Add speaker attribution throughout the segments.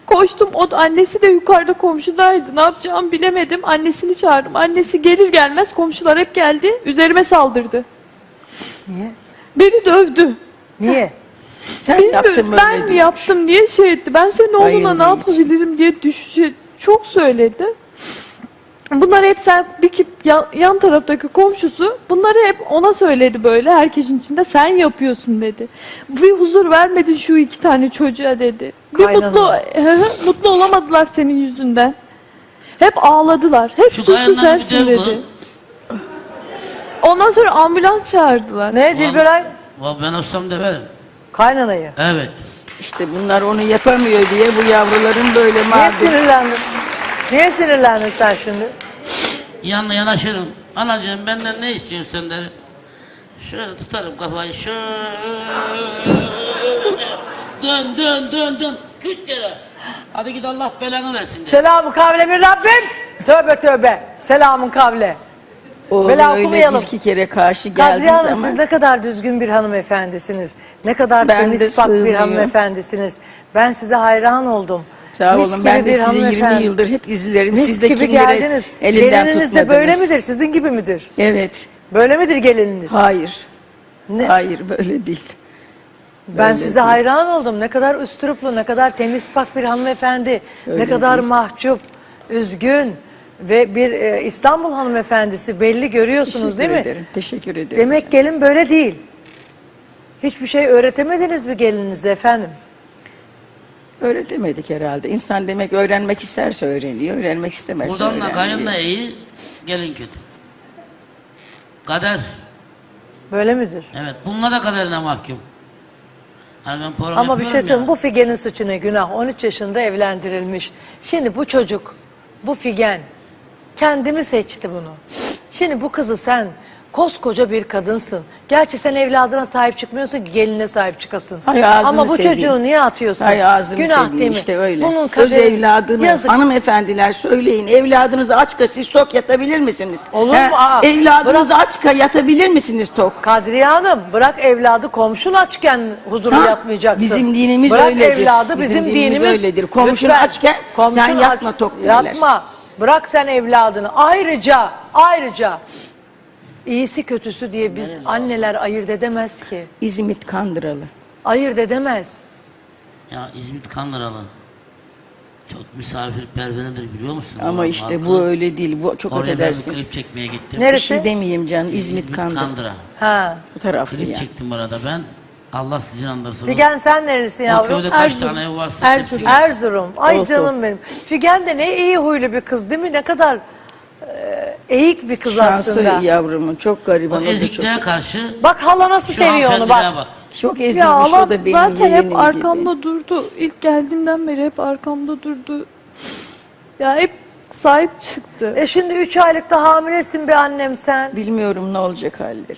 Speaker 1: Koştum, annesi de yukarıda komşudaydı. Ne yapacağımı bilemedim. Annesini çağırdım. Annesi gelir gelmez komşular hep geldi. Üzerime saldırdı.
Speaker 2: Niye?
Speaker 1: Beni dövdü.
Speaker 2: Niye?
Speaker 3: Sen
Speaker 1: Bilmiyorum,
Speaker 3: yaptın
Speaker 1: ben mi yaptım diye şey etti. Ben senin oğluna ne
Speaker 3: Bayıldığı için.
Speaker 1: yapabilirim diye çok söyledi. Bunlar hep yan taraftaki komşusu bunları hep ona söyledi böyle herkesin içinde, sen yapıyorsun dedi. Bir huzur vermedin şu 2 tane çocuğa dedi. Bir mutlu olamadılar senin yüzünden. Hep ağladılar. Hep
Speaker 4: Şu
Speaker 1: suçlu
Speaker 4: kayandan
Speaker 1: sensin
Speaker 4: bir dev
Speaker 1: dedi. Ondan sonra ambulans çağırdılar.
Speaker 2: Ne Dilberay?
Speaker 4: Ben olsam döverim.
Speaker 2: Kaynanayı.
Speaker 4: Evet.
Speaker 3: İşte bunlar onu yapamıyor diye bu yavruların böyle
Speaker 2: Niye
Speaker 3: mağdur.
Speaker 2: sinirlendin? Niye sinirlendin sen şimdi?
Speaker 4: Yanına yanaşırım. Anacığım benden ne istiyorsun sen derim. Şöyle tutarım kafayı. Şöyle. Dön. 40 kere. Hadi git Allah belanı versin de.
Speaker 2: Selamın kavle bir Rabbim. Tövbe tövbe. Selamın kavle.
Speaker 3: Oğlum
Speaker 2: Bela
Speaker 3: öyle
Speaker 2: okumayalım.
Speaker 3: 1-2 kere karşı geldiği
Speaker 2: Kadriye Hanım
Speaker 3: zaman
Speaker 2: siz ne kadar düzgün bir hanımefendisiniz. Ne kadar
Speaker 3: Ben de
Speaker 2: temiz pak bir
Speaker 3: sığmıyor.
Speaker 2: hanımefendisiniz. Ben size hayran oldum.
Speaker 3: sağ
Speaker 2: Mis
Speaker 3: olun
Speaker 2: gibi
Speaker 3: ben de
Speaker 2: bir
Speaker 3: sizi 20
Speaker 2: hanımefendi.
Speaker 3: yıldır hep izlerim.
Speaker 2: Mis
Speaker 3: Siz de
Speaker 2: gibi
Speaker 3: kimleri
Speaker 2: geldiniz.
Speaker 3: elinden
Speaker 2: Gelininiz de böyle
Speaker 3: tutmadınız.
Speaker 2: midir? Sizin gibi midir?
Speaker 3: Evet.
Speaker 2: Böyle midir gelininiz?
Speaker 3: Hayır.
Speaker 2: Ne?
Speaker 3: Hayır böyle değil.
Speaker 2: Ben
Speaker 3: Öyle
Speaker 2: size
Speaker 3: değil.
Speaker 2: hayran oldum. Ne kadar üsturuplu, ne kadar temiz pak bir hanımefendi.
Speaker 3: Öyle
Speaker 2: ne kadar
Speaker 3: değil.
Speaker 2: mahcup, üzgün ve bir İstanbul hanımefendisi belli görüyorsunuz değil mi?
Speaker 3: Teşekkür ederim. Teşekkür ederim.
Speaker 2: Demek gelin böyle değil. Hiçbir şey öğretemediniz mi gelininize efendim?
Speaker 3: Öğretemedik herhalde. İnsan demek öğrenmek isterse öğreniyor, öğrenmek istemezse
Speaker 4: Buradan da
Speaker 3: öğrenmiyor.
Speaker 4: kayın da iyi, gelin kötü. Kader.
Speaker 2: Böyle midir?
Speaker 4: Evet. Bunlar da kaderine mahkum. Hani ben program
Speaker 2: Ama bir şey
Speaker 4: yapıyorum
Speaker 2: söyleyeyim,
Speaker 4: ya.
Speaker 2: bu Figen'in suçu ne günah? 13 yaşında evlendirilmiş. Şimdi bu çocuk, bu Figen kendi mi seçti bunu? Şimdi bu kızı sen koskoca bir kadınsın. Gerçi sen evladına sahip çıkmıyorsun ki geline sahip çıkasın.
Speaker 3: Hay ağzını
Speaker 2: Ama bu
Speaker 3: seveyim.
Speaker 2: çocuğu niye atıyorsun?
Speaker 3: Hay ağzını
Speaker 2: Günah
Speaker 3: seveyim
Speaker 2: değil mi?
Speaker 3: işte öyle.
Speaker 2: Bunun
Speaker 3: Öz
Speaker 2: kaderi,
Speaker 3: evladını,
Speaker 2: yazık.
Speaker 3: hanımefendiler söyleyin, evladınızı aç siz tok yatabilir misiniz?
Speaker 2: Olur mu? Aa,
Speaker 3: evladınızı aç yatabilir misiniz tok?
Speaker 2: Kadriye Hanım bırak evladı komşun açken huzurlu
Speaker 3: Ha,
Speaker 2: yatmayacaksın.
Speaker 3: bizim dinimiz
Speaker 2: bırak
Speaker 3: öyledir.
Speaker 2: evladı
Speaker 3: Bizim
Speaker 2: bizim
Speaker 3: dinimiz
Speaker 2: dinimiz
Speaker 3: öyledir. Komşun
Speaker 2: lütfen,
Speaker 3: açken
Speaker 2: komşun
Speaker 3: sen yatma tok derler.
Speaker 2: Yatma. Bırak sen evladını. Ayrıca iyisi kötüsü diye biz anneler ayırt edemez ki.
Speaker 3: İzmit Kandıralı.
Speaker 2: Ayırt edemez.
Speaker 4: Ya İzmit Kandıralı. Çok misafirperverdir biliyor musun?
Speaker 3: Ama
Speaker 4: Oğlum,
Speaker 3: işte
Speaker 4: halkı.
Speaker 3: bu öyle değil. Bu çok
Speaker 4: Oraya ben bir
Speaker 3: affedersin.
Speaker 4: klip çekmeye gittim.
Speaker 2: Neresi?
Speaker 3: Bir şey demeyeyim canım. İzmit
Speaker 4: İzmit
Speaker 3: Kandıra.
Speaker 4: Kandıra.
Speaker 2: Ha.
Speaker 3: Bu taraflı
Speaker 4: Klip
Speaker 3: ya.
Speaker 4: çektim burada ben. Allah sizin andırsın.
Speaker 2: Figen sen nerelisin
Speaker 4: O
Speaker 2: yavrum?
Speaker 4: köyde kaç tane ev varsa hepsi.
Speaker 2: Erzurum. Ay
Speaker 3: Olsun.
Speaker 2: canım benim. Figen de ne iyi huylu bir kız değil mi? Ne kadar eğik bir kız
Speaker 3: Şansı
Speaker 2: aslında.
Speaker 3: yavrumun çok gariban.
Speaker 4: O
Speaker 3: o da çok,
Speaker 4: ezikliğe karşı
Speaker 2: Bak hala nasıl
Speaker 4: şu
Speaker 2: seviyor onu
Speaker 4: hanımefendiliğe
Speaker 2: bak.
Speaker 3: çok
Speaker 1: Ya
Speaker 3: ezilmiş
Speaker 1: Allah
Speaker 3: o da benim
Speaker 1: zaten
Speaker 3: yeğenim
Speaker 1: hep arkamda
Speaker 3: gibi.
Speaker 1: durdu. İlk geldiğimden beri hep arkamda durdu. Ya hep sahip çıktı.
Speaker 2: Şimdi 3 aylıkta hamilesin bir annem sen.
Speaker 3: Bilmiyorum ne olacak halleri.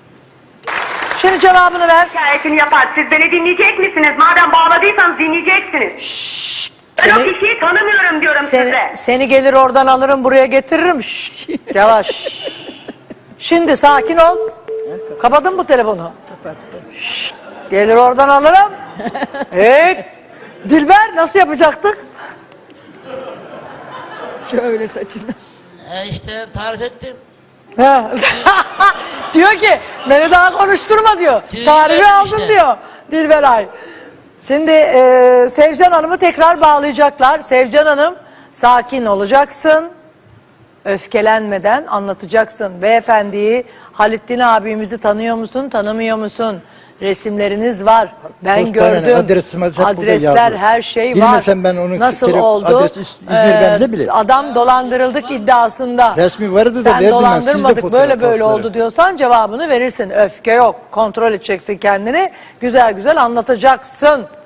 Speaker 2: Şimdi cevabını ver.
Speaker 5: Hikayesini yapar. Siz beni dinleyecek misiniz? Madem bağladıysanız dinleyeceksiniz. Ben o
Speaker 2: Seni-
Speaker 5: kişiyi tanımıyorum diyorum size.
Speaker 2: Seni gelir oradan alırım buraya getiririm. Şşş, yavaş. Şimdi sakin ol. Kapadın mı telefonu? Kapattım. Gelir oradan alırım. Hey, Dilber nasıl yapacaktık?
Speaker 3: Şöyle saçını.
Speaker 4: işte tarif ettim.
Speaker 2: Ha. Diyor ki beni daha konuşturma diyor.
Speaker 4: Tüylerim
Speaker 2: Tarifi aldım
Speaker 4: işte.
Speaker 2: diyor Dilberay. Şimdi Sevcan Hanım'ı tekrar bağlayacaklar. Sevcan Hanım sakin olacaksın. Öfkelenmeden anlatacaksın. Beyefendiyi, Halittin abimizi tanıyor musun, tanımıyor musun? Resimleriniz var. Ben
Speaker 6: Postane,
Speaker 2: gördüm.
Speaker 6: adresimiz hep burada
Speaker 2: Adresler,
Speaker 6: yazdı.
Speaker 2: her şey var.
Speaker 6: Bilmesem ben onun
Speaker 2: Nasıl
Speaker 6: telefon
Speaker 2: oldu?
Speaker 6: adresi İzmir'den ne bileyim.
Speaker 2: Adam dolandırıldık iddiasında.
Speaker 6: Resmi vardı da
Speaker 2: Sen
Speaker 6: verdim ben,
Speaker 2: dolandırmadık
Speaker 6: sizde
Speaker 2: böyle
Speaker 6: fotoğraf
Speaker 2: böyle
Speaker 6: var.
Speaker 2: oldu diyorsan cevabını verirsin. Öfke yok. Kontrol edeceksin kendini. Güzel güzel anlatacaksın.